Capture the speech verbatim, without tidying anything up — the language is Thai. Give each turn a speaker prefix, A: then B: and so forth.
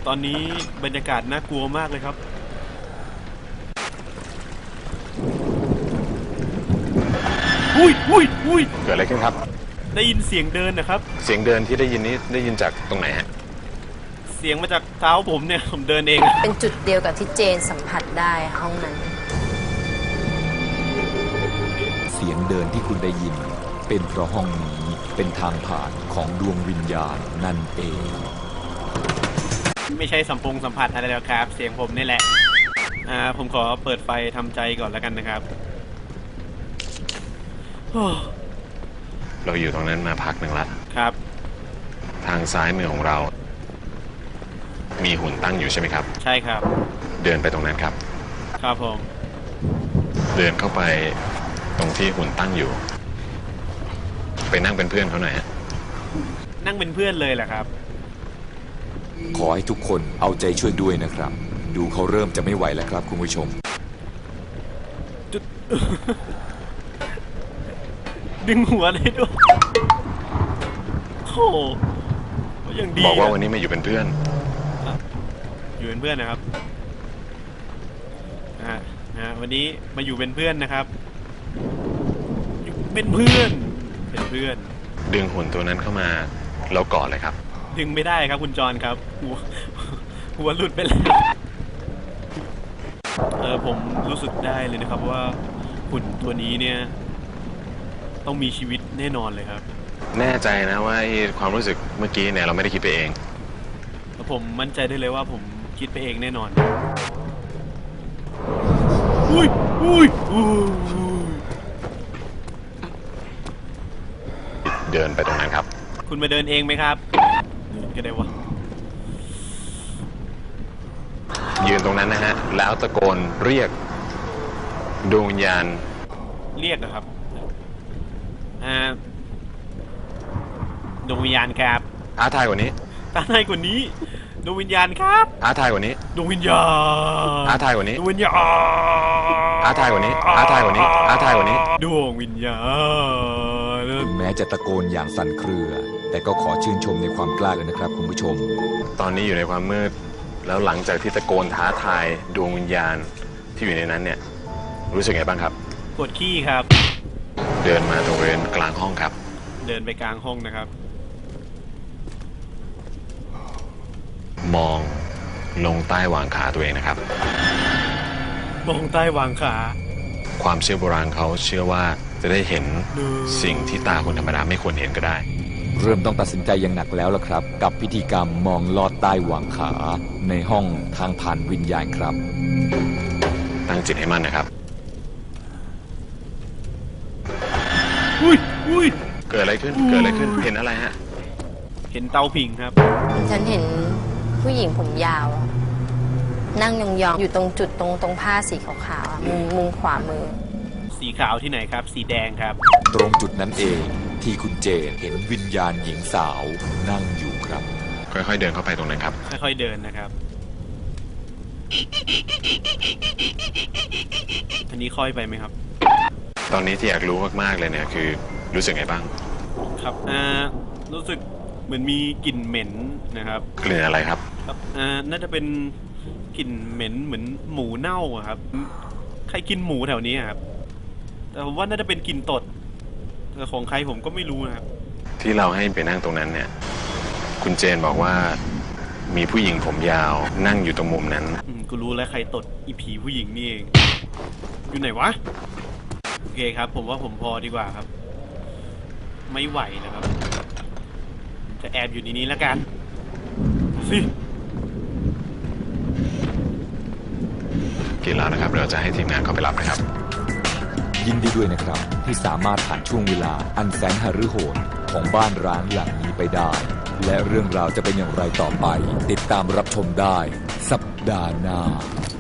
A: ตอนนี้บรรยากาศน่ากลัวมากเลยครับอุ้ยอุ้ยอุ้ย
B: เกิดอะไรขึ้นครับ
A: ได้ยินเสียงเดินนะครับ
B: เสียงเดินที่ได้ยินนี้ได้ยินจากตรงไหนฮะ
A: เสียงมาจากเท้าผมเนี่ยผมเดินเอง
C: เป็นจุดเดียวกับที่เจนสัมผัสได้ห้องนั้น
D: เสียงเดินที่คุณได้ยินเป็นเพราะห้องนี้เป็นทางผ่านของดวงวิญญาณนั่นเอง
A: ไม่ใช่สัมพงสัมผัสอะไรแล้วครับเสียงผมนี่แหละอ่าผมขอเปิดไฟทำใจก่อนแล้วกันนะครับ
B: เราอยู่ตรงนั้นมาพักหนึ่งละ
A: ครับ
B: ทางซ้ายมือของเรามีหุ่นตั้งอยู่ใช่ไหมครับ
A: ใช่ครับ
B: เดินไปตรงนั้นครับ
A: ครับผม
B: เดินเข้าไปตรงที่หุ่นตั้งอยู่ไปนั่งเป็นเพื่อนเขาหน่อยฮะ
A: นั่งเป็นเพื่อนเลยแหละครับ
D: ขอให้ทุกคนเอาใจช่วยด้วยนะครับดูเขาเริ่มจะไม่ไหวแล้วครับคุณผู้ชม
A: ดึงหัวเลยด้วยโอ้ยังดี
B: บอกว่าวันนี้มาอยู่เป็นเพื่อน
A: อยู่เป็นเพื่อนนะครับอ่านะวันนี้มาอยู่เป็นเพื่อนนะครับเป็นเพื่อนเป็นเพื่อน
B: ดึงหุ่นตัวนั้นเข้ามาแล้วกอดเลยครับ
A: ดึงไม่ได้ครับคุณจรครับหัวหัวหลุดไปแล้วเออผมรู้สึกได้เลยนะครับว่าหุ่นตัวนี้เนี่ยต้องมีชีวิตแน่นอนเลยครับ
B: แน่ใจนะว่าความรู้สึกเมื่อกี้เนี่ยเราไม่ได้คิดไปเอง
A: ผมมั่นใจได้เลยว่าผมคิดไปเองแน่นอนอุ้ยอุ้ยอุ้ย
B: เดินไปตรงนั้นครับ
A: คุณมาเดินเองไหมครับเดินก็ได้วะ
B: ยืนตรงนั้นนะฮะแล้วตะโกนเรียกดวงวิญญาณ
A: เรียกนะครับอ่าดวงวิญญาณครับ
B: ท้าทายกว่านี้
A: ท้าทายกว่านี้ดวงวิญญาณครับ
B: ท้าทายกว่านี้
A: ดวงวิญญาณ
B: ท้าทายกว่านี้
A: ดวงวิญญาณ
B: ท้าทายกว่านี้ท้าทายกว่านี้ท้าทายกว่านี้
A: ดวงวิญญาณ
D: ถึงแม้จะตะโกนอย่างสั่นเครือแต่ก็ขอชื่นชมในความกล้าเลยนะครับคุณผู้ชม
B: ตอนนี้อยู่ในความมืดแล้วหลังจากที่ตะโกนท้าทายดวงวิญญาณที่อยู่ในนั้นเนี่ยรู้สึกไงบ้างครับ
A: ปวดขี้ครับ
B: เดินมาตรงบริเวณกลางห้องครับ
A: เดินไปกลางห้องนะครับ
B: มองลงใต้หว่างขาตัวเองนะครับ
A: มองใต้หว่างขา
B: ความเชื่อโบราณเขาเชื่อว่าจะได้เห็นสิ่งที่ตาคนธรรมดาไม่ควรเห็นก็ได้
D: เริ่มต้องตัดสินใจอย่างหนักแล้วล่ะครับกับพิธีกรรมมองลอดใต้หว่างขาในห้องทางผ่านวิญญาณครับ
B: ตั้งจิตให้มั่นนะครับ
A: อุ้ยอุ้ย
B: เกิดอะไรขึ้นเกิดอะไรขึ้นเห็นอะไรฮะ
A: เห็นเตาผิงครับ
C: ฉันเห็นผู้หญิงผมยาวนั่งยองๆอยู่ตรงจุดตรงตรงผ้าสีขาวๆมุมมุมขวามือ
A: สีขาวที่ไหนครับสีแดงครับ
D: ตรงจุดนั้นเองที่คุณเจนเห็นวิญญาณหญิงสาวนั่งอยู่ครับ
B: ค่อยๆเดินเข้าไปตรงนั้นครับ
A: ค่อยๆเดินนะครับอันนี้ค่อยไปไหมครับ
B: ตอนนี้ที่อยากรู้มากๆเลยเนี่ยคือรู้สึกไงบ้าง
A: ครับอ่ารู้สึกเหมือนมีกลิ่นเหม็นนะครับ
B: กลิ่นอะไรครับ
A: ครับอ่าน่าจะเป็นกลิ่นเหม็นเหมือนหมูเน่าครับใครกินหมูแถวนี้ครับแต่ผมว่าน่าจะเป็นกลิ่นตดแต่ของใครผมก็ไม่รู้นะครับ
B: ที่เราให้ไปนั่งตรงนั้นเนี่ยคุณเจนบอกว่ามีผู้หญิงผมยาวนั่งอยู่ตรงมุมนั้น
A: กูรู้แล้วใครตดอีผีผู้หญิงนี่เองอยู่ไหนวะโอเคครับผมว่าผมพอดีกว่าครับไม่ไหวแล้วครับจะแอบอยู่ในนี้แล้วกันสิ
B: กินแล้วนะครับเราจะให้ทีมงานเข้าไปรับนะครับ
D: ยินดีด้วยนะครับที่สามารถผ่านช่วงเวลาอันแสนหฤโหดของบ้านร้างหลังนี้ไปได้และเรื่องราวจะเป็นอย่างไรต่อไปติดตามรับชมได้สัปดาห์หน้า